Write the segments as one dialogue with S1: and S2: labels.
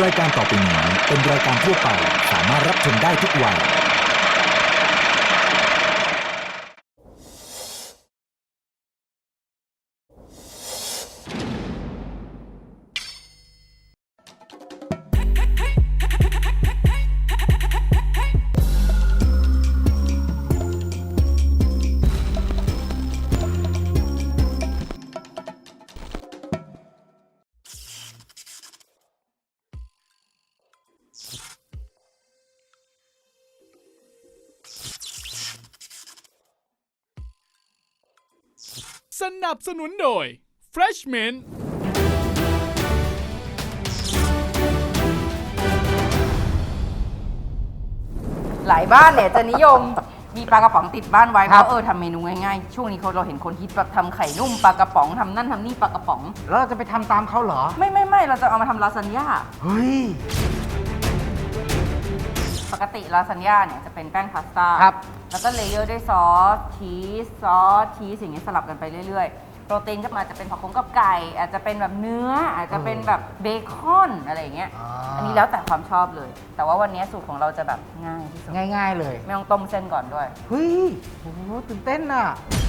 S1: รายการต่อไปนี้เป็นรายการทั่วไปสามารถรับชมได้ทุกวัย
S2: สนับสนุนโดย Freshman
S3: หลายบ้านเนี่ยจะนิยมมีปลากระป๋องติดบ้านไว้เพราะทำเมนูง่ายๆช่วงนี้เราเห็นคนฮิตแบบทำไข่นุ่มปลากระป๋องทำนั่นทำนี่ปลากระป๋อง
S4: แล้วเราจะไปทำตามเขาเหรอ
S3: ไม่เราจะเอามาทำลาซานญ่า
S4: เฮ้ย
S3: ปกติลาซานญ่าเนี่ยจะเป็นแป้งพาสต้า
S4: ครับ
S3: แล้วก็เลเยอร์ด้วยซอสชีสอย่างเงี้ยสลับกันไปเรื่อยๆโปรตีนก็มาจะเป็นผักกับไก่อาจจะเป็นแบบเนื้ออาจจะเป็นแบบเบคอนอะไรอย่างเงี้ยอันนี้แล้วแต่ความชอบเลย แต่ว่าวันนี้สูตรของเราจะแบบง่ายที่สุด
S4: ง่ายๆเลย
S3: ไม่ต้องต้มเส้นก่อนด้วย
S4: เฮ้ยโอ้โหตื่นเต้นอ่ะ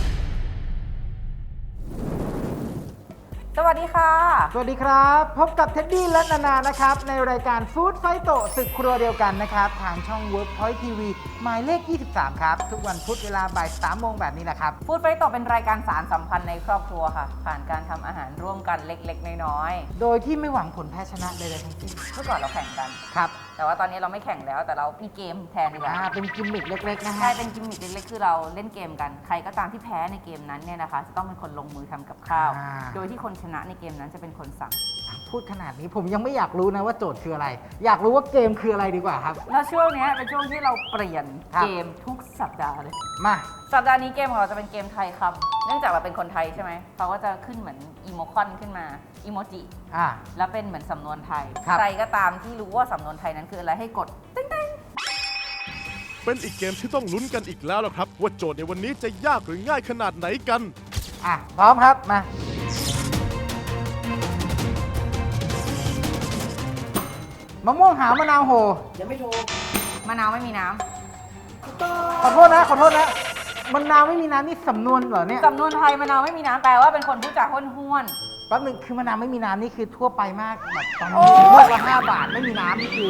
S3: สวัสดีค่ะ
S4: สวัสดีครับ พบกับเท็ดดี้และนานานะครับ ในรายการฟู้ดไฟโตศึกครัวเดียวกันนะครับ ทางช่อง Workpoint TV หมายเลข 23 ครับ ทุกวันพุธเวลาบ่าย 3 โมงแบบนี้แหละครับ
S3: ฟู้ดไฟโตเป็นรายการสารสัมพันธ์ในครอบครัวค่ะ ผ่านการทำอาหารร่วมกันเล็กๆน้อย
S4: โดยที่ไม่หวังผลแพ้ชนะใดๆทั้งสิ้น
S3: ๆเมื่อก่อนเราแข่งกัน
S4: ครับ
S3: แต่ว่าตอนนี้เราไม่แข่งแล้วแต่เรามีเกมแทนดีกว่า
S4: เป็นกิมมิคเล็กๆนะ
S3: ใช่
S4: ฮะ
S3: เป็นกิมมิคเล็กๆคือเราเล่นเกมกัน ใครก็ตามที่แพ้ในเกมนั้นเนี่ยนะคะ จะต้องเป็นคนลงมือทำกับข้าว โดยที่คนชนะในเกมนั้นจะเป็นคนสั่ง
S4: พูดขนาดนี้ผมยังไม่อยากรู้นะว่าโจทย์คืออะไร อยากรู้ว่าเกมคืออะไรดีกว่าครับ
S3: แล้วช่วงเนี้ยเป็นช่วงที่เราเปลี่ยน
S4: ครับ
S3: เกมทุกสัปดาห์เลย
S4: มา
S3: สัปดาห์นี้เกมของเราจะเป็นเกมไทยคำเนื่องจากเราเป็นคนไทยใช่ไหมเขาก็จะขึ้นเหมือนอีโมคอนขึ้นมาอีโมจิ
S4: อ่า
S3: แล้วเป็นเหมือนสำนวนไทย
S4: ครับ
S3: ใครก็ตามที่รู้ว่าสำนวนไทยนั้นคืออะไรให้กดติ๊ง
S2: เป็นอีกเกมที่ต้องลุ้นกันอีกแล้วล่ะครับ ว่าโจทย์ในวันนี้จะยากหรือง่ายขนาดไหนกัน
S4: อ่ะ พร้อมครับ มามะม่วงหาวมะนาวโห
S3: มะนาวไม่มีน้
S4: ขอโทษนะ ขอโทษนะมะนาวไม่มีน้ำนี่สำนวนเหรอเนี่ย
S3: ำสำนวนไทยมะนาวไม่มีน้ำแปลว่าเป็นคนพูดจาห้วน
S4: แป๊บนึงคือมะนาวไม่มีน้ำนี่คือทั่วไปมากแบบตอน
S3: โอ้
S4: นี้
S3: ย
S4: ลูกละ5 บาทไม่มีน้ำนี่คือ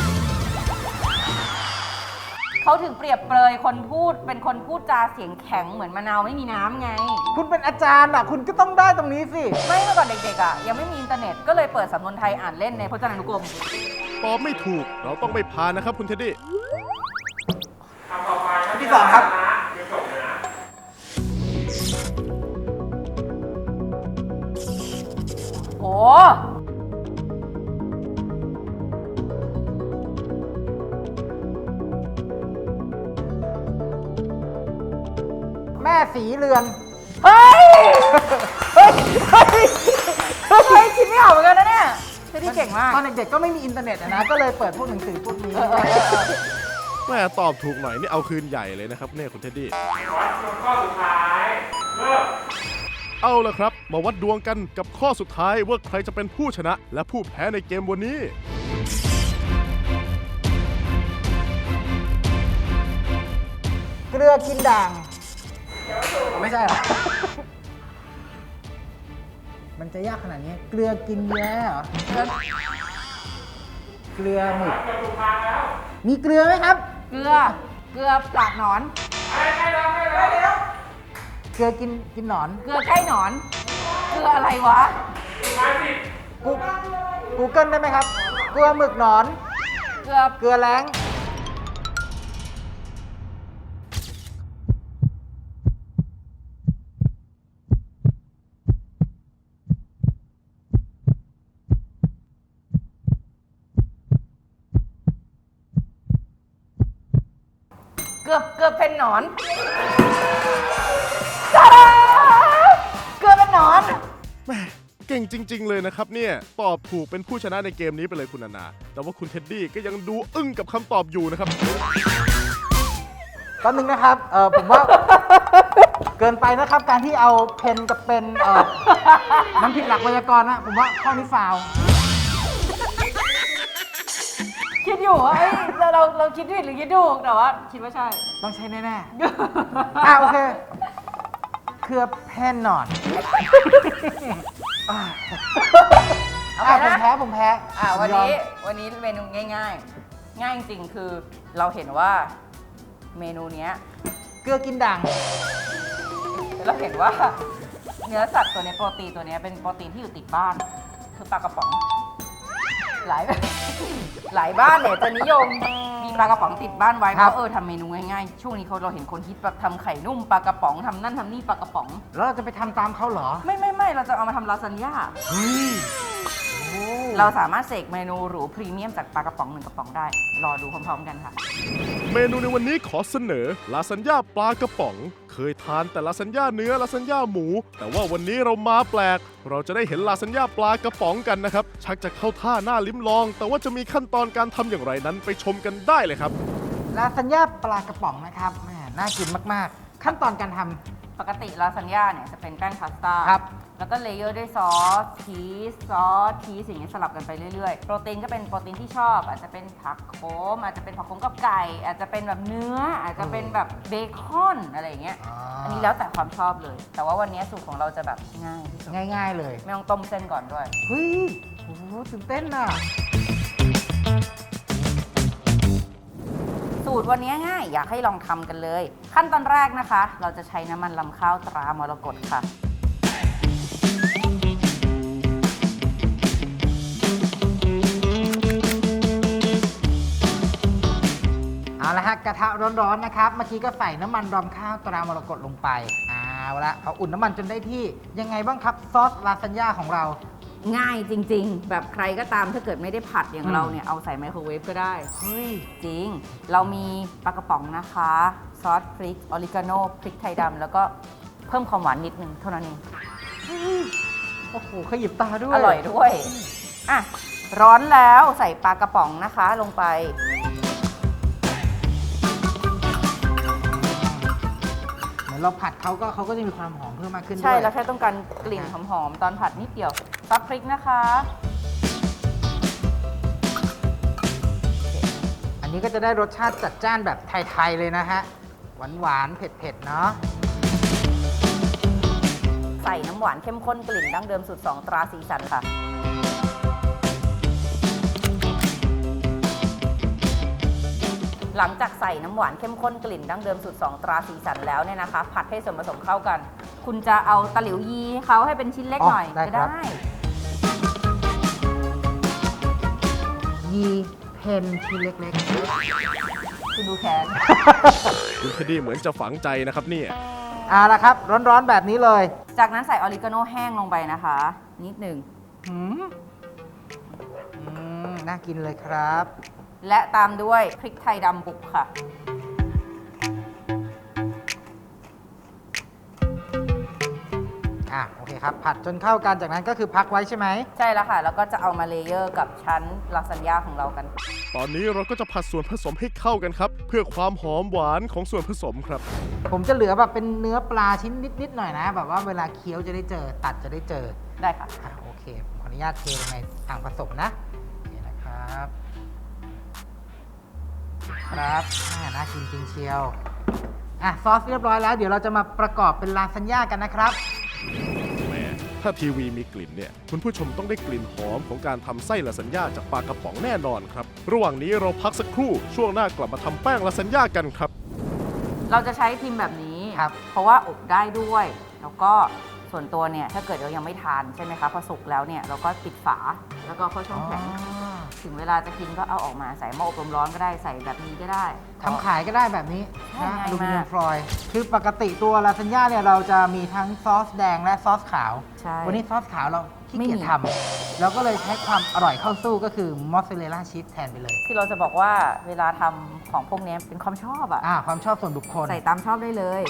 S3: ๆเขาถึงเปรียบเปรยคนพูดเป็นคนพูดจาเสียงแข็งเหมือนมะนาวไม่มีน้ำไง
S4: คุณเป็นอาจารย์อ่ะ คุณก็ต้องได้ตรงนี้สิ
S3: ไม่เมื่อก่อนเด็กๆอ่ะยังไม่มีอินเทอร์เน็ตก็เลยเปิดสำนวนไทยอ่านเล่นในพจนานุกรม
S2: ตอบไม่ถูกเราต้องไม่พานนะครับคุณเท็ดดี้
S4: ที่สองครับ
S3: โอ้
S4: แม่สีเรือน
S3: เฮ้ยเฮ้ยคิดไม่ออกเหมือนกันนะเนี่ยที่เก่งมาก
S4: ตอนเด็กๆก็ไม่มีอินเทอร์เน็ตอะนะ ก็เลยเปิดพวกหนังสือพวกนี้
S2: แม่ตอบถูกหน่อยนี่เอาคืนใหญ่เลยนะครับเนี่ยคุณเท็ดดี้เอาละครับ มาวัดดวงกันกับข้อสุดท้ายว่าใครจะเป็นผู้ชนะ และผู้แพ้ในเกมวันนี้
S4: เกลือกินด่าง ไม่ใช่เหรอ มันจะยากขนาดนี้ เกลือกินแย้เหรอ เกลือหมึกมีเกลือไหมครับ
S3: เกลือปากหนอน
S4: เกลือกินหนอน
S3: เกลือใกล้หนอน เกลืออะไรวะ
S4: กูเกิลได้ไหมครับ เกลือหมึกหนอน
S3: เกลือ
S4: เกลือแล้ง
S3: เกือบเป็นหนอนตาดาเกลือเป็นหนอน
S2: แม่เก่งจริง ๆ เลยนะครับเนี่ยตอบถูกเป็นผู้ชนะในเกมนี้ไปเลยคุณนานา แต่ว่าคุณเท็ดดี้ก็ยังดูอึ้งกับคำตอบอยู่นะครับ
S4: แป๊บนึงนะครับ ผมว่า เกินไปนะครับ การที่เอาเพนกับเป็นมันผิดหลักไวยากรณ์นะ ผมว่าข้อนี้ฟาวล์
S3: คิดอยู่ว่าเอ้ยเราคิดผิดหรือคิดถูกแต่ว่าคิดว่าใช่
S4: ต้องใช้แน่ๆโอเค เครือแพนนอนผมแพ้
S3: วันนี้เมนูง่ายๆ ง่ายจริงๆคือเราเห็นว่าเมนูเนี้ย
S4: เกลือกินด่าง
S3: เราเห็นว่าเนื้อสัตว์ตัวนี้โปรตีนตัวนี้เป็นโปรตีนที่อยู่ติดบ้าน คือปลากระป๋องหลายบ้านเนี่ยจะนิยมมีปลากระป๋องติดบ้านไว้เพราะทำเมนูง่ายๆช่วงนี้เราเห็นคนฮิตแบบทำไข่นุ่มปลากระป๋องทำนั่นทำนี่ปลากระป๋อง
S4: แล้วเราจะไปทำตามเขาเหรอ
S3: ไม่เราจะเอามาทำลาซานญ่าเราสามารถเสกเมนูหรูพรีเมียมจากปลากระป๋อง1กระป๋องได้รอดูพร้อมๆกันค่ะ
S2: เมนูในวันนี้ขอเสนอลาซานญ่าปลากระป๋อง เคยทานแต่ลาซานญ่าเนื้อลาซานญ่าหมู แต่ว่าวันนี้เรามาแปลก เราจะได้เห็นลาซานญ่าปลากระป๋องกันนะครับ ชักจะเข้าท่าหน้าลิ้มลอง แต่ว่าจะมีขั้นตอนการทำอย่างไรนั้นไปชมกันได้เลยครับ
S4: ลาซานญ่าปลากระป๋องนะครับแหมน่ากินมากๆ ขั้นตอนการทำ
S3: ปกติลาซานญ่าเนี่ยจะเป็นแป้งพาสต้า
S4: ครับ
S3: แล้วก็เลเยอร์ด้วยซอสชีสอย่างเงี้ยสลับกันไปเรื่อยๆ โปรตีนก็เป็นโปรตีนที่ชอบ อาจจะเป็นผักโขมอาจจะเป็นผักโขมกับไก่ อาจจะเป็นแบบเนื้อ อาจจะเป็นแบบเบคอนอะไรอย่างเงี้ย อันนี้แล้วแต่ความชอบเลย แต่ว่าวันนี้สูตรของเราจะแบบง่ายที่สุด
S4: ง่ายๆเลย
S3: ไม่ต้องต้มเส้นก่อนด้วย
S4: เฮ้ยโอ้โหตื่นเต้นอ่ะ
S3: สูตรวันนี้ง่ายอยากให้ลองทำกันเลย ขั้นตอนแรกนะคะ เราจะใช้น้ำมันลำข้าวตรามรกตค่ะ
S4: เอาละฮะกระทะร้อนๆนะครับเมื่อกี้ก็ใส่น้ำมันรำข้าวตรามรกตลงไปเอาละพออุ่นน้ำมันจนได้ที่ยังไงบ้างครับซอสลาซานญ่าของเรา
S3: ง่ายจริงๆ แบบใครก็ตามถ้าเกิดไม่ได้ผัดอย่างเราเนี่ยเอาใส่ไมโครเวฟก็ได้
S4: เฮ้ย
S3: จริง เรามีปลากระป๋องนะคะ ซอสพริกออริกาโนพริกไทยดำแล้วก็เพิ่มความหวานนิดนึงเท่านั้นเอง
S4: โอ้โหขยิบตาด้วย
S3: อร่อยด้วยอ่ะร้อนแล้วใส่ปลากระป๋องนะคะลงไป
S4: เหมือนเราผัดเขาก็จะมีความหอมเพิ่มมากขึ้นด้วย
S3: ใช่แล้วแค่ต้องการกลิ่นหอมๆตอนผัดนิดเดียวซอสพริกนะคะ
S4: อันนี้ก็จะได้รสชาติจัดจ้านแบบไทยๆเลยนะฮะหวานๆเผ็ดๆเนาะ
S3: ใส่น้ำหวานเข้มข้นกลิ่นดั้งเดิมสูตร2ตราสีสันค่ะ หลังจากใส่น้ำหวานเข้มข้นกลิ่นดั้งเดิมสูตร2ตราสีสันแล้วเนี่ยนะคะ ผัดให้ส่วนผสมเข้ากัน คุณจะเอาตะหลิวยีให้เขาให้เป็นชิ้นเล็กหน่อยก็ได้
S4: ยีเพนชิ้นเล็ก
S3: คุณดูแขน
S2: คุณเทดดี้เหมือนจะฝังใจนะครับเนี่ย
S4: ๆเอาละครับร้อนๆแบบนี้เลย
S3: จากนั้นใส่ออริกาโนแห้งลงไปนะคะ นิดหนึ่ง
S4: หืมน่ากินเลยครับ
S3: และตามด้วยพริกไทยดำบุกค่ะ
S4: โอเคครับ ผัดจนเข้ากันจากนั้นก็คือพักไว้ใช่ไหม
S3: ใช่แล้วค่ะ แล้วก็จะเอามาเลเยอร์กับชั้นลาซานญ่าของเรากัน
S2: ตอนนี้เราก็จะผัดส่วนผสมให้เข้ากันครับ เพื่อความหอมหวานของส่วนผสมครับ
S4: ผมจะเหลือแบบเป็นเนื้อปลาชิ้นนิดๆหน่อยนะ แบบว่าเวลาเคี้ยวจะได้เจอ ตัดจะได้เจอ
S3: ได้ค่ะ
S4: โอเคผมขออนุญาตเทลงในอ่างผสมนะโอเคนะครับน่ากินจริงเชียวซอสเรียบร้อยแล้วเดี๋ยวเราจะมาประกอบเป็นลาซานญ่ากันนะครับ
S2: แหมถ้าทีวีมีกลิ่นเนี่ยคุณผู้ชมต้องได้กลิ่นหอมของการทำไส้ลาซานญ่าจากปลากระป๋องแน่นอนครับ ระหว่างนี้เราพักสักครู่ช่วงหน้ากลับมาทำแป้งลาซานญ่ากันครับ
S3: เราจะใช้พิมพ์แบบนี้
S4: ครับ
S3: เพราะว่าอบได้ด้วย แล้วก็ส่วนตัวเนี่ยถ้าเกิดเรายังไม่ทานใช่ไหมคะพอสุกแล้วเนี่ยเราก็ปิดฝาแล้วก็เข้าช่องแข็งถึงเวลาจะกินก็เอาออกมาใส่หม้ออบลมร้อนก็ได้ใส่แบบนี้ก็ได้
S4: ทำขายก็ได้แบบนี้
S3: ใช่
S4: นะ
S3: ง่ายมาก
S4: อลูมิเนียมฟอยล์คือปกติตัวลาซานญ่าเนี่ยเราจะมีทั้งซอสแดงและซอสขาว
S3: ใช่
S4: วันนี้ซอสขาวเราขี้
S3: ไม่
S4: เกียจ
S3: มี
S4: ทำเราก็เลยใช้ความอร่อยเข้าสู้ก็คือมอสซาเรลล่าชีสแทนไปเลย
S3: ที่เราจะบอกว่าเวลาทำของพวกนี้เป็นความชอบอะ
S4: ความชอบส่วนบุคคล
S3: ใส่ตามชอบได้เลย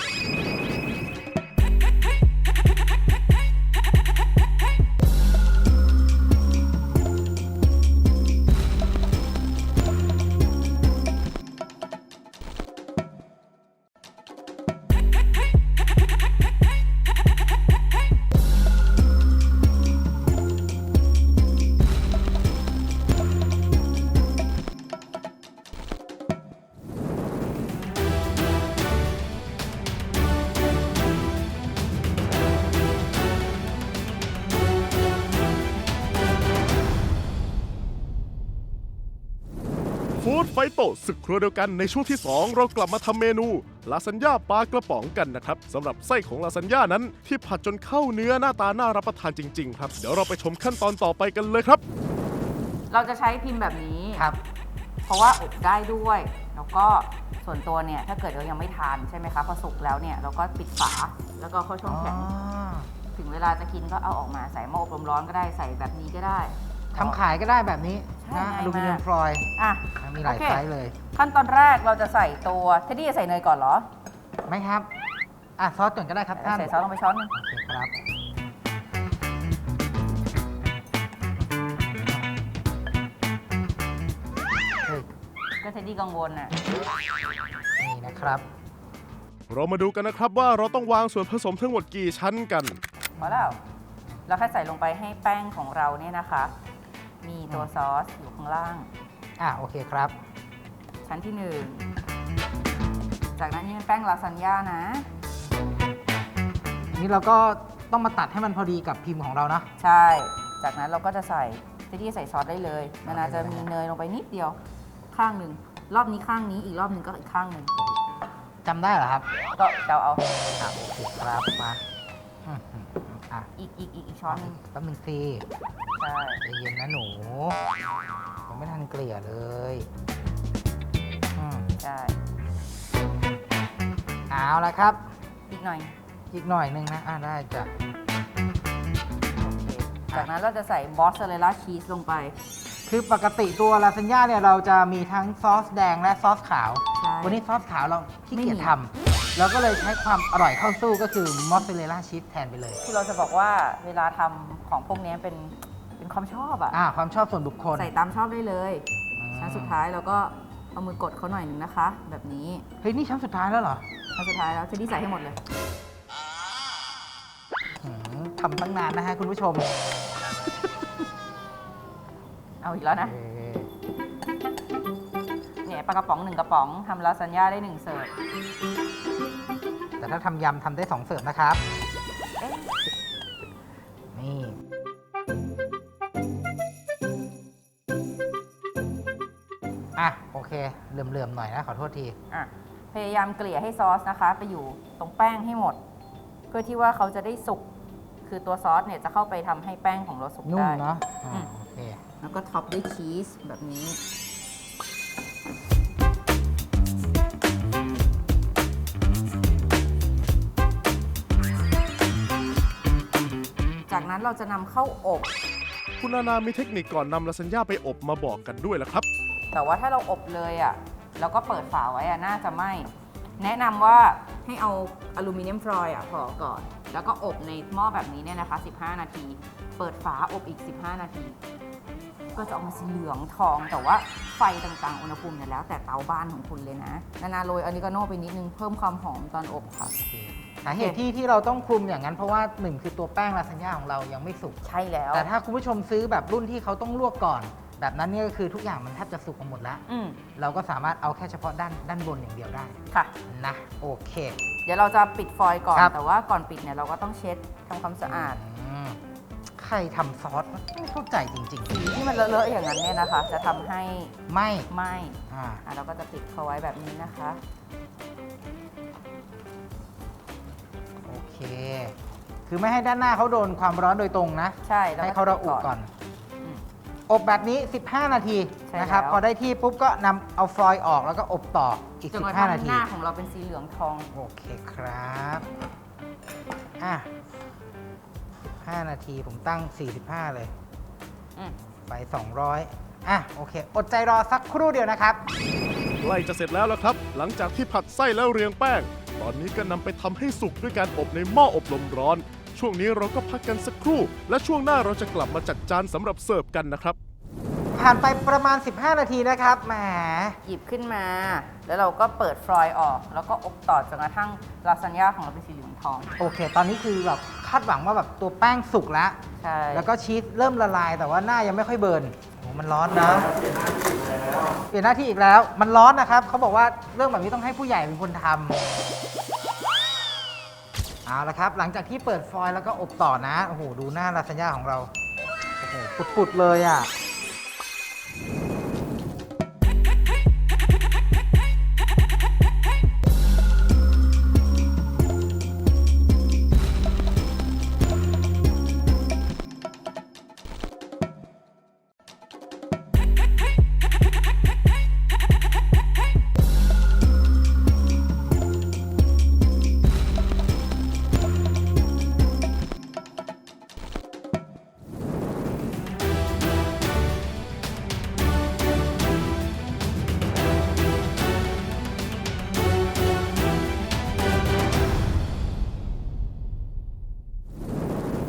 S2: ดไฟโตศึกครัวเดียวกันในช่วงที่ 2 เรากลับมาทำเมนูลาซานญ่าปลากระป๋องกันนะครับสำหรับไส้ของลาซานญ่านั้นที่ผัดจนเข้าเนื้อหน้าตาน่ารับประทานจริงๆครับเดี๋ยวเราไปชมขั้นตอนต่อไปกันเลยครับ
S3: เราจะใช้พิมพ์แบบนี้
S4: ครับ
S3: เพราะว่าอบได้ด้วย แล้วก็ส่วนตัวเนี่ยถ้าเกิดเรายังไม่ทานใช่ไหมคะพอสุกแล้วเนี่ยเราก็ปิดฝาแล้วก็เข้าช่องแข็งถึงเวลาจะกินก็เอาออกมาใส่หม้ออบลมร้อนก็ได้ใส่แบบนี้ก็ได้
S4: ทำขายก็ได้แบบนี้
S3: ใช่
S4: นะ
S3: ง่ายมาก
S4: อลูมิเนียมฟอยล์
S3: อ่ะ
S4: มีหลาย
S3: โอเค
S4: ไซส์เลย
S3: ขั้นตอนแรกเราจะใส่ตัวเทดดี้จะใส่เนยก่อนเหรอ
S4: ไหมครับซอสก่อนก็ได้ครับท่าน
S3: ใส่ซอสลงไปช้อนหนึง
S4: โอเคครับเฮ้ย
S3: ก็เทดดี้กังวลน่ะ
S4: นี่นะครับ
S2: เรามาดูกันนะครับว่าเราต้องวางส่วนผสมทั้งหมดกี่ชั้นกัน
S3: พอแล้วเราแค่ใส่ลงไปให้แป้งของเราเนี่ยนะคะ มีตัวซอสอยู่ข้างล่าง
S4: โอเคครับ
S3: ชั้นที่ 1 จากนั้นนี่เป็นแป้งลาซานญ่านะ
S4: นี่เราก็ต้องมาตัดให้มันพอดีกับพิมพ์ของเรานะ
S3: ใช่ จากนั้นเราก็จะใส่เทดดี้ใส่ซอสได้เลยนานาจะมีเนยลงไปนิดเดียวข้างหนึ่งรอบนี้ข้างนี้อีกรอบหนึ่งก็อีกข้างหนึ่ง
S4: จำได้เหรอครับ
S3: ก็เดาเอา
S4: โอเคครับมาอืมอ่ะ
S3: อีกช้อนหนึง
S4: แป๊บนึงสิ
S3: ใช่
S4: ใจเย็นนะหนูยังไม่ทันเกลี่ยเลยอืม
S3: ใช่
S4: เอาละครับ
S3: อีกหน่อย
S4: อีกหน่อยนึงนะได้จ้ะ
S3: โอเคจากนั้นเราจะใส่มอสซาเรลล่าชีสลงไป
S4: คือปกติตัวลาซานญ่าเนี่ยเราจะมีทั้งซอสแดงและซอสขาว
S3: ใช่
S4: วันนี้ซอสขาวเราขี้เกียจ
S3: ไม่มี
S4: ทำเราก็เลยใช้ความอร่อยเข้าสู้ก็คือมอสซาเรลล่าชีสแทนไปเลย
S3: คือเราจะบอกว่าเวลาทำของพวกนี้เป็นความชอบอะ
S4: ความชอบส่วนบุคคล
S3: ใส่ตามชอบได้เลย
S4: อืม
S3: ชั้นสุดท้ายเราก็เอามือกดเขาหน่อยหนึงนะคะ แบบนี้
S4: เฮ้ยนี่ชั้นสุดท้ายแล้วเหรอ
S3: ชั้นสุดท้ายแล้วเทดดี้ใส่ให้หมดเลย
S4: ทำตั้งนานนะฮะคุณผู้ชม
S3: เอาอีกแล้วนะ เนี่ยปลากระป๋อง1กระป๋องทำลาซานญ่าได้1เสิร์ฟ
S4: แต่ถ้าทำยำทำได้2เสิร์ฟนะครับ
S3: เอ๊ะ
S4: นี่ โอเค เหลื่อมๆหน่อยนะ ขอโทษที
S3: อ่ะพยายามเกลี่ยให้ซอสนะคะ ไปอยู่ตรงแป้งให้หมด เพื่อที่ว่าเขาจะได้สุก คือตัวซอสเนี่ยจะเข้าไปทำให้แป้งของเราสุก
S4: นุ่ม
S3: ได้
S4: เนาะ
S3: อืม
S4: โอเค
S3: แล้วก็ท็อปด้วยชีสแบบนี้ จากนั้นเราจะนำเข้าอบ
S2: คุณนานามีเทคนิคก่อนนำลาซานญ่าไปอบมาบอกกันด้วยละครับ
S3: แต่ว่าถ้าเราอบเลยอ่ะแล้วก็เปิดฝาไว้อ่ะน่าจะไหม้แนะนำว่าให้เอาอลูมิเนียมฟอยล์อ่ะพอก่อน แล้วก็อบในหม้อแบบนี้เนี่ยนะคะ 15 นาที เปิดฝาอบอีก 15 นาที ก็จะออกมาสีเหลืองทอง แต่ว่าไฟต่างๆ อุณหภูมิเนี่ยแล้วแต่เตาบ้านของคุณเลยนะ นานาโรยออริกาโน่ไปนิดนึงเพิ่มความหอมตอนอบค่ะ
S4: โอเค สาเหตุที่เราต้องคลุมอย่างนั้นเพราะว่าหนึ่งคือตัวแป้งลาซานญ่าของเรายังไม่สุก
S3: ใช่แล้ว
S4: แต่ถ้าคุณผู้ชมซื้อแบบรุ่นที่เขาต้องลวกก่อน แบบนั้นเนี่ยก็คือทุกอย่างมันแทบจะสุกมาหมดแล้ว
S3: อืม
S4: เราก็สามารถเอาแค่เฉพาะด้านบนอย่างเดียวได้
S3: ค่ะ
S4: นะ โอเค
S3: เดี๋ยวเราจะปิดฟอยล์ก่อน
S4: ครับ
S3: แต่ว่าก่อนปิดเนี่ยเราก็ต้องเช็ดทำความสะอาด
S4: ใครทำซอสวะไม่เข้าใจจริง
S3: สีที่มันเลอะๆอย่างนั้นเนี่ยนะคะ จะทำให้
S4: ๆ ไม่
S3: ไหม้
S4: อ่า
S3: เราก็จะปิดเขาไว้แบบนี้นะคะ
S4: โอเค คือไม่ให้ด้านหน้าเขาโดนความร้อนโดยตรงนะ
S3: ใช่แล้ว
S4: ให้เขาระอุก่อน
S3: อืม
S4: อบแบบนี้ 15 นาที
S3: ใช่
S4: นะครับ
S3: แล้ว
S4: พอได้ที่ปุ๊บก็นำเอาฟอยล์ออกแล้วก็อบต่ออีก
S3: จนกระ
S4: 15
S3: ทั่ง
S4: นาที
S3: หน้าของเราเป็นสีเหลืองทอง
S4: โอเคครับอ่ะ5 นาทีผมตั้ง 45 เลย
S3: อืม
S4: ไป 200โอเค อดใจรอสักครู่เดียวนะครับ
S2: ใกล้จะเสร็จแล้วละครับ หลังจากที่ผัดไส้แล้วเรียงแป้ง ตอนนี้ก็นำไปทำให้สุกด้วยการอบในหม้ออบลมร้อน ช่วงนี้เราก็พักกันสักครู่ และช่วงหน้าเราจะกลับมาจัดจานสำหรับเสิร์ฟกันนะครับ
S4: ผ่านไปประมาณ 15 นาทีนะครับแหม
S3: หยิบขึ้นมา แล้วเราก็เปิดฟลอยล์ออก แล้วก็อบต่อจนกระทั่งลาซานญ่าของเราเป็นสีเหลืองทอง
S4: โอเค ตอนนี้คือแบบคาดหวังว่าแบบตัวแป้งสุกแล้ว
S3: ใช่
S4: แล้วก็ชีสเริ่มละลาย แต่ว่าหน้ายังไม่ค่อยเบิร์นโอ้มันร้อนนะ เปลี่ยนหน้าที่อีกแล้ว มันร้อนนะครับ เขาบอกว่าเรื่องแบบนี้ต้องให้ผู้ใหญ่เป็นคนทำเอาละครับ หลังจากที่เปิดฟอยล์แล้วก็อบต่อนะ โอ้โห ดูหน้าลาซานญ่าของเรา โอ้โห ปุดๆเลยอ่ะ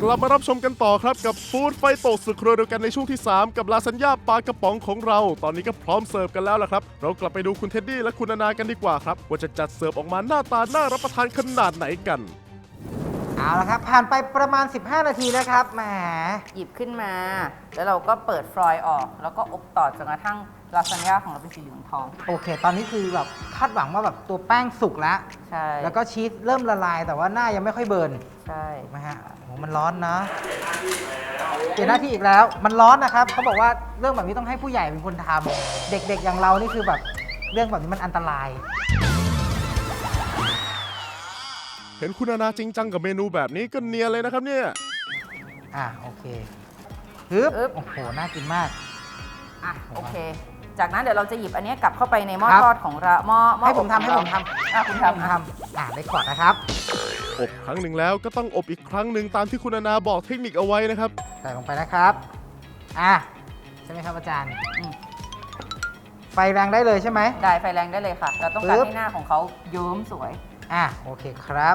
S2: ลับมารับชมกันต่อครับกับฟู้ดไฟโตสึกครัวเดียวกันในช่วงที่ 3 กับลาซานญ่าปลากระป๋องของเราตอนนี้ก็พร้อมเสิร์ฟกันแล้วล่ะครับเรากลับไปดูคุณเท็ดดี้และคุณนานากันดีกว่าครับว่าจะจัดเสิร์ฟออกมาหน้าตาน่ารับประทานขนาดไหนกัน
S4: เอาละครับผ่านไปประมาณ 15 นาทีนะครับแหม
S3: หยิบขึ้นมา แล้วเราก็เปิดฟรอยล์ออก แล้วก็อบต่อจนกระทั่งลาซานญ่าของเราเป็นสีเหลืองทอง
S4: โอเค ตอนนี้คือแบบคาดหวังว่าแบบตัวแป้งสุกแล้ว
S3: ใช่
S4: แล้วก็ชีสเริ่มละลายแต่ว่าหน้ายังไม่ค่อยเบิร์น
S3: ใช่
S4: นะฮะโหมันร้อนนะเปลี่ยนหน้าที่อีกแล้ว มันร้อนนะครับเขาบอกว่าเรื่องแบบนี้ต้องให้ผู้ใหญ่เป็นคนทำเด็กๆอย่างเรานี่คือแบบเรื่องแบบนี้มันอันตราย
S2: เห็นคุณนานาจริงจังกับเมนูแบบนี้ก็เนียนเลยนะครับเนี่ย
S4: โอเคฮึบโอ้โหน่ากินมาก
S3: อ่ะโอเค จากนั้นเดี๋ยวเราจะหยิบอันนี้กลับเข้าไปในหม้อ
S4: ครับ
S3: ทอดของเราหม้อ
S4: ให้ผมทำ
S3: อบ
S4: ให้
S3: ข
S4: ผ
S3: อง
S4: ม
S3: เรา
S4: ทำ
S3: คุณ
S4: ให้ผม
S3: ทำ
S4: ทำได้ก่อนนะครับ
S2: อบครั้งหนึ่งแล้วก็ต้องอบอีกครั้งหนึ่งตามที่คุณนานาบอกเทคนิคเอาไว้นะครับ
S4: ใส่ลงไปนะครับใช่ไหมครับอาจารย์
S3: อืม
S4: ไฟแรงได้เลยใช่ไหม
S3: ได้ไฟแรงได้เลยค่ะ เราต้องการ
S4: ปึ๊บ
S3: ให้หน้าของเขาเยิ้มสวย
S4: โอเคครับ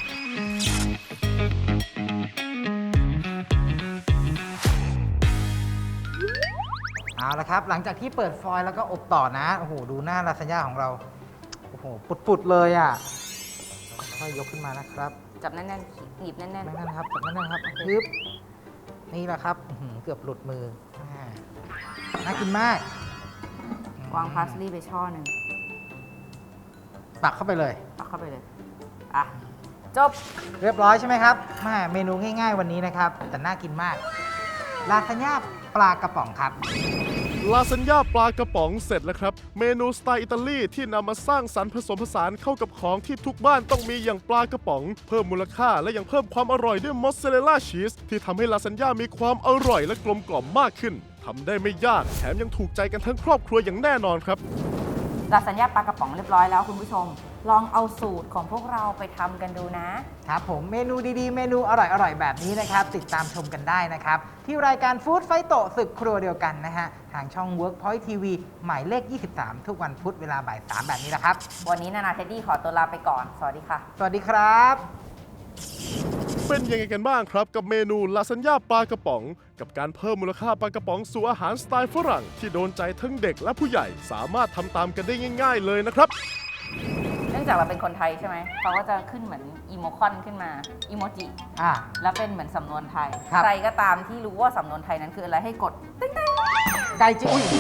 S4: เอาละครับ หลังจากที่เปิดฟอยล์แล้วก็อบต่อนะโอ้โหดูหน้าลาซานญ่าของเราโอ้โหปุดๆเลยอ่ะค่อยยกขึ้นมานะครับ
S3: จับแน่นๆหยิบแน่น
S4: นั่นนะครับจับนั่นนะครับปึ๊บนี่แหละครับอื้อหือเกือบหลุดมือน่ากินมาก
S3: ๆวางพาสลีย์ไปช่อหนึ่ง
S4: ตักเข้าไปเลย
S3: ตักเข้าไปเลย อ่ะ จบ
S4: เรียบร้อยใช่ไหมครับแม่เมนูง่ายๆวันนี้นะครับ แต่น่ากินมาก ลาซานญ่าปลากระป๋องครับ
S2: ลาซานญ่าปลากระป๋องเสร็จแล้วครับ เมนูสไตล์อิตาลีที่นำมาสร้างสรรค์ผสมผสานเข้ากับของที่ทุกบ้านต้องมีอย่างปลากระป๋อง เพิ่มมูลค่าและยังเพิ่มความอร่อยด้วยมอสซาเรลล่าชีสที่ทำให้ลาซานญ่ามีความอร่อยและกลมกล่อมมากขึ้นทำได้ไม่ยากแถมยังถูกใจกันทั้งครอบครัวอย่างแน่นอนครับ
S3: ลาซานญ่าปลากระป๋องเรียบร้อยแล้วคุณผู้ชม ลองเอาสูตรของพวกเราไปทำกันดูนะ
S4: ครับผมเมนูดีๆ เมนูอร่อยๆ แบบนี้นะครับ ติดตามชมกันได้นะครับ ที่รายการฟู้ดไฟโตศึกครัวเดียวกันนะฮะ ทางช่อง Workpoint TV หมายเลข 23 ทุกวันพุธเวลาบ่าย 3 แบบนี้แหละครับ
S3: วันนี้นานาเทดดี้ขอตัวลาไปก่อน สวัสดีค่ะ
S4: สวัสดีครับ
S2: เป็นยังไงกันบ้างครับกับเมนูลาซานญ่าปลากระป๋อง กับการเพิ่มมูลค่าปลากระป๋องสู่อาหารสไตล์ฝรั่งที่โดนใจทั้งเด็กและผู้ใหญ่สามารถทำตามกันได้ง่าย ๆ เลยนะครับ
S3: เนื่องจากเราเป็นคนไทยใช่ไหม เขาก็จะขึ้นเหมือนอีโมคอนขึ้นมา อีโมจิ แล้วเป็นเหมือนสำนวนไทย
S4: ครับ
S3: ใครก็ตามที่รู้ว่าสำนวนไทยนั้นคืออะไรให้กดติ๊ง
S4: ไก่จิอุ้ย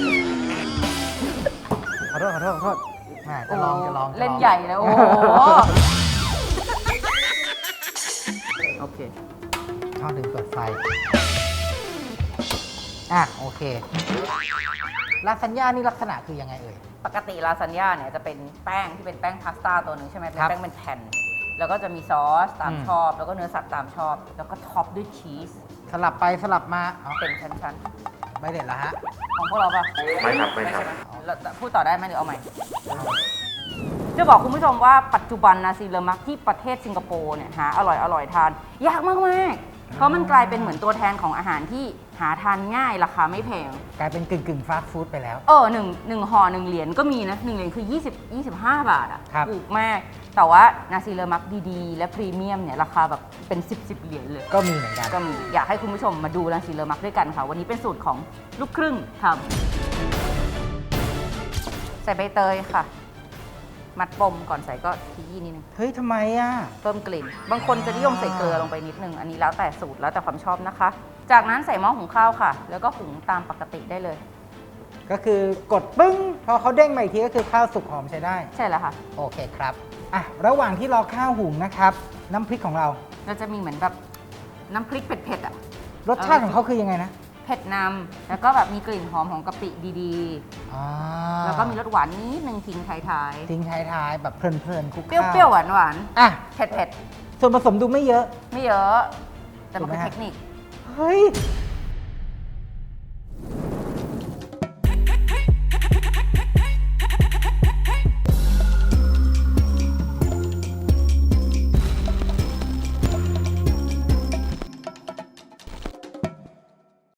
S4: ขอโทษแม่จะลอง
S3: เล่นใหญ่เลยโอ้โห โอเค
S4: ช่องถึงเปิดไฟ โอเค ลาซานญ่านี่ลักษณะคือยังไงเอ่ย
S3: ปกติลาซานญ่าเนี่ยจะเป็นแป้งที่เป็นแป้งพาสต้าตัวหนึ่งใช่ไหมเป็น
S4: ครับ
S3: แป้งเป็นแผ่น แล้วก็จะมีซอสตามชอบ แล้วก็เนื้อสัตว์ตามชอบ แล้วก็ท็อปด้วยชีส
S4: สลับไปสลับมาอ๋อ
S3: เป็นชั้น
S4: ไม่เด็ดละฮะ
S3: ๆ ของพวกเราปะ
S5: ไม่ครับไม่ครับ
S3: ใช่หเราพูดต่อได้ไหมหรือเอาใหม่ จะบอกคุณผู้ชมว่าปัจจุบันนาซีเลอมักที่ประเทศสิงคโปร์เนี่ยหาอร่อยทาน ยากมากๆ เพราะมันกลายเป็นเหมือนตัวแทนของอาหารที่หาทานง่ายราคาไม่แพง
S4: กลายเป็นกึ่งฟาสต์ฟู้ดไปแล้ว
S3: หนึ่งห่อ1 เหรียญก็มีนะ1 เหรียญคือ 25 บาทอะ
S4: ครับ
S3: ถูกมาก แต่ว่านาซีเลอมักดีๆ และพรีเมียมเนี่ยราคาแบบเป็น 10 เหรียญเลย
S4: ก็มีเหมือนกัน
S3: ก็มีอยากให้คุณผู้ชมมาดูนาซีเลอมักด้วยกันค่ะ วันนี้เป็นสูตรของลูกครึ่งทำใส่ใบเตยค่ะ มัดปมก่อนใส่ก็ขยี้นิดนึง
S4: เฮ้ยทำไมอ่ะ
S3: เพิ่มกลิ่น บางคนจะนิยมใส่เกลือลงไปนิดนึง อันนี้แล้วแต่สูตรแล้วแต่ความชอบนะคะ จากนั้นใส่หม้อหุงข้าวค่ะ แล้วก็หุงตามปกติได้เลย
S4: ก็คือกดปึ้ง พอเขาเด้งมาอีกทีก็คือข้าวสุกหอมใช้ได้
S3: ใช่แล้วค่ะ
S4: โอเคครับระหว่างที่รอข้าวหุงนะครับ น้ำพริกของเรา
S3: เราจะมีเหมือนแบบน้ำพริกเผ็ดๆอ่ะ
S4: รสชาติของเขาคือยังไงนะ
S3: เผ็ดนำแล้วก็แบบมีกลิ่นหอมของกะปิดี
S4: อ่า
S3: ๆ แล้วก็มีรสหวานนิดนึงทิ้งท้าย
S4: ทิ้งท้ายๆแบบเพลินๆคลุก
S3: ๆ เป
S4: ข้าว
S3: รี้ยวๆหวาน
S4: อ่ะ
S3: ๆ เผ็ด
S4: ส่วนผสมดูไม่เยอะ
S3: ๆ ไม่เยอะ แต่มันคือ
S4: ถูกไหมฮะ
S3: เทคนิค
S4: เฮ้ย